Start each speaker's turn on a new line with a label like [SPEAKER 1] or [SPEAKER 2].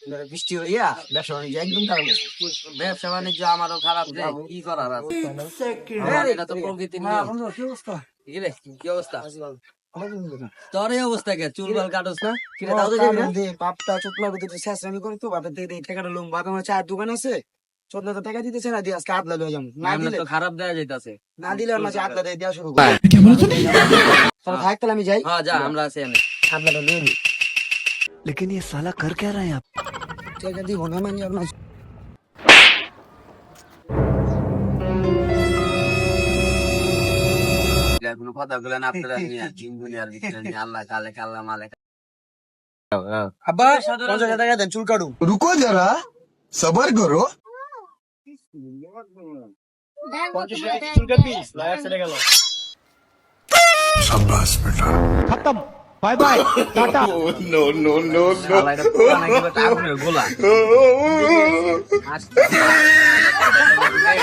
[SPEAKER 1] বৃষ্টি হইয়া ব্যবসা বাণিজ্য একদম খারাপ হয়েছে।
[SPEAKER 2] ব্যবসা বাণিজ্য আমারও খারাপ রে, কি করার আছে? এটা তো প্রকৃতির নিয়ম।
[SPEAKER 1] কি অবস্থা?
[SPEAKER 2] কি রে, কি অবস্থা? তোর এই অবস্থা কে? চুল বাল কাটস না? কি রে, তাও তো
[SPEAKER 1] তাও
[SPEAKER 2] যাবি না?
[SPEAKER 1] বাপটা চোখলা করতে শেষ আমি করি তো বাপের থেকে টাকাটা লোম বাপে আমার চায়ের দোকান আছে, চোদ্দ টাকা দিতেছে না, দিয়ে আজকে আদলা লয়ে যাবো, না
[SPEAKER 2] এমনি
[SPEAKER 1] দিলে
[SPEAKER 2] তো খারাপ দেয়া যাইতাছে।
[SPEAKER 1] আর মাঝে আদলা দিয়ে দেওয়া শুরু করে। তাহলে থাক, তাহলে আমি যাই,
[SPEAKER 2] হ্যাঁ যা, আমরা আছি এনে।
[SPEAKER 1] আদলাটা নিয়ে নি।
[SPEAKER 3] लेकिन ये साला कर क्या रहा है यहाँ पे?
[SPEAKER 1] টাকা দিব না মানে আর মাঝে
[SPEAKER 2] কোনো কথা গুলো না আপনারা নিয়ে দিন দুনিয়ার ভিতরে নিয়ে আল্লাহ কালে কাল্লা মালে।
[SPEAKER 1] আব্বা 50 টাকা দেন, চুল কাটু।
[SPEAKER 4] रुको जरा सबर करो
[SPEAKER 1] 50 টাকা চুল কাটবি, লাইট সেটা গেল।
[SPEAKER 4] शाबाश बेटा
[SPEAKER 3] खत्म bye bye tata
[SPEAKER 4] no no no
[SPEAKER 2] শালা এটা পুরা নাকি বেটা আগুনের গোলা। আসতে